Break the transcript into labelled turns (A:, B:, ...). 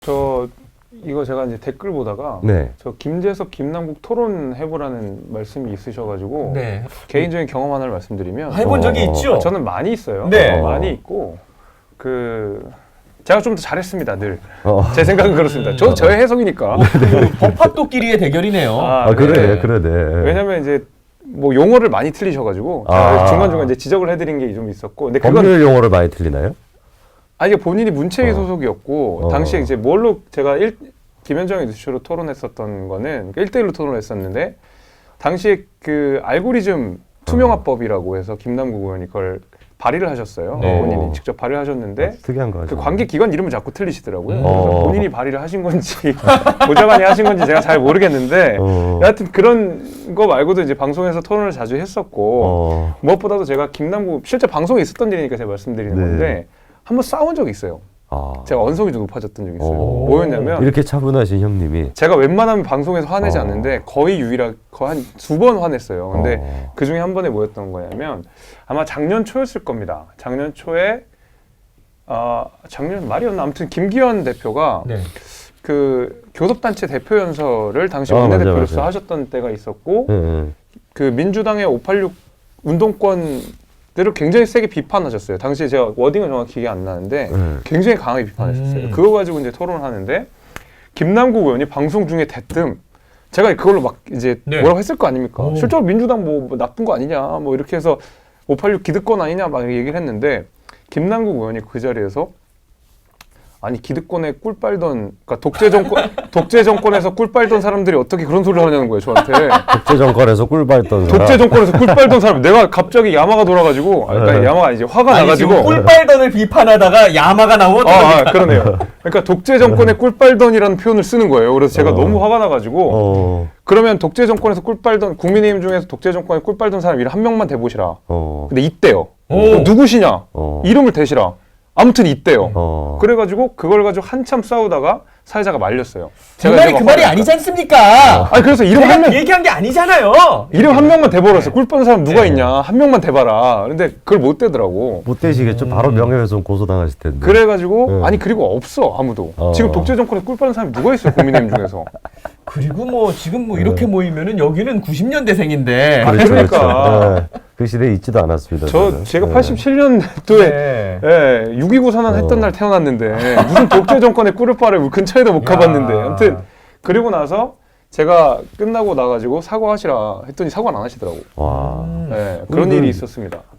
A: 이거 제가 이제 댓글 보다가
B: 네.
A: 저 김재석, 김남국 토론 해보라는 말씀이 있으셔가지고
C: 네.
A: 개인적인 경험 하나를 말씀드리면
C: 해본 적이 있죠?
A: 저는 많이 있어요.
C: 네.
A: 많이 있고 제가 좀 더 잘했습니다. 늘 제 생각은 그렇습니다. 저도 저의 해석이니까.
C: 법학도끼리의 대결이네요.
B: 그래, 그러네.
A: 왜냐면 이제 뭐 용어를 많이 틀리셔가지고 중간중간 이제 지적을 해드린 게 좀 있었고. 근데
B: 법률 용어를 많이 틀리나요?
A: 이게 본인이 문체위 소속이었고 당시에 이제 뭘로 제가 김현정의 뉴스쇼로 토론했었던 거는 1대1로 토론했었는데 당시에 그 알고리즘 투명화법이라고 해서 김남국 의원이 그걸 발의를 하셨어요.
C: 네.
A: 본인이 직접 발의를 하셨는데
B: 특이한 거
A: 그 관계 기관 이름을 자꾸 틀리시더라고요. 그래서
B: 어.
A: 본인이 발의를 하신 건지 보좌관이 하신 건지 제가 잘 모르겠는데 여하튼 그런 거 말고도 이제 방송에서 토론을 자주 했었고 무엇보다도 제가 김남국 실제 방송에 있었던 일이니까 제가 말씀드리는
B: 네.
A: 건데 한번 싸운 적이 있어요. 제가 언성이 좀 높아졌던 적이 있어요. 뭐였냐면
B: 이렇게 차분하신 형님이
A: 제가 웬만하면 방송에서 화내지 않는데 거의 유일하게 한 2번 화냈어요. 근데 그 중에 한 번에 뭐였던 거냐면 아마 작년 초였을 겁니다. 작년 초에 작년 말이었나 아무튼 김기현 대표가
C: 네.
A: 그 교섭단체 대표 연설을 당시
B: 맞아,
A: 원내대표로서
B: 맞아.
A: 하셨던 때가 있었고
B: 네.
A: 그 민주당의 586 운동권들을 굉장히 세게 비판하셨어요. 당시에 제가 워딩은 정확히 기억이 안 나는데 굉장히 강하게 비판하셨어요. 그거 가지고 이제 토론을 하는데 김남국 의원이 방송 중에 대뜸 제가 그걸로 막 이제
C: 네.
A: 뭐라고 했을 거 아닙니까?
C: 오.
A: 실제로 민주당 뭐 나쁜 거 아니냐 뭐 이렇게 해서 586 기득권 아니냐 막 얘기를 했는데 김남국 의원이 그 자리에서 아니 기득권에 꿀 빨던 그러니까 독재 정권에서 꿀 빨던 사람들이 어떻게 그런 소리를 하냐는 거예요 저한테.
B: 독재 정권에서 꿀 빨던 사람.
A: 독재 정권에서 꿀 빨던 사람 내가 갑자기 야마가 돌아가지고 그러니까 야마가 아니지 화가
C: 아니,
A: 나가지고
C: 지금 꿀빨던을 비판하다가 야마가 나온
A: 그러네요. 그러니까 독재 정권에 꿀 빨던이라는 표현을 쓰는 거예요. 그래서 제가 너무 화가 나가지고 그러면 독재 정권에서 꿀 빨던 국민의힘 중에서 독재 정권에 꿀 빨던 사람 이름 한 명만 대보시라. 근데 있대요. 누구시냐? 이름을 대시라. 아무튼 있대요. 그래가지고 그걸 가지고 한참 싸우다가 사회자가 말렸어요.
C: 그 말이 그 말이 아니지 않습니까?
A: 아니 그래서 이름 한 명
C: 얘기한 게 아니잖아요.
A: 이름 한 명만 대버렸어요. 꿀 빠는 사람 누가 있냐? 한 명만 대봐라. 근데 그걸 못 대더라고.
B: 못 되시겠죠. 바로 명예훼손 고소당하실 텐데.
A: 그래가지고 아니 그리고 없어 아무도. 지금 독재 정권에 꿀 빠는 사람이 누가 있어요? 국민의힘 중에서.
C: 그리고 뭐 지금 뭐 이렇게 모이면은 여기는 90년대생인데.
A: 그러니까.
B: 그 시대에 있지도 않았습니다.
A: 제가 87년도에 6.29 선언 했던 날 태어났는데 무슨 독재 정권의 꿀을 빨을 근처에도 못 가봤는데 아무튼 그리고 나서 제가 끝나고 나가지고 사과하시라 했더니 사과는 안 하시더라고.
B: 와.
A: 그런 일이 있었습니다.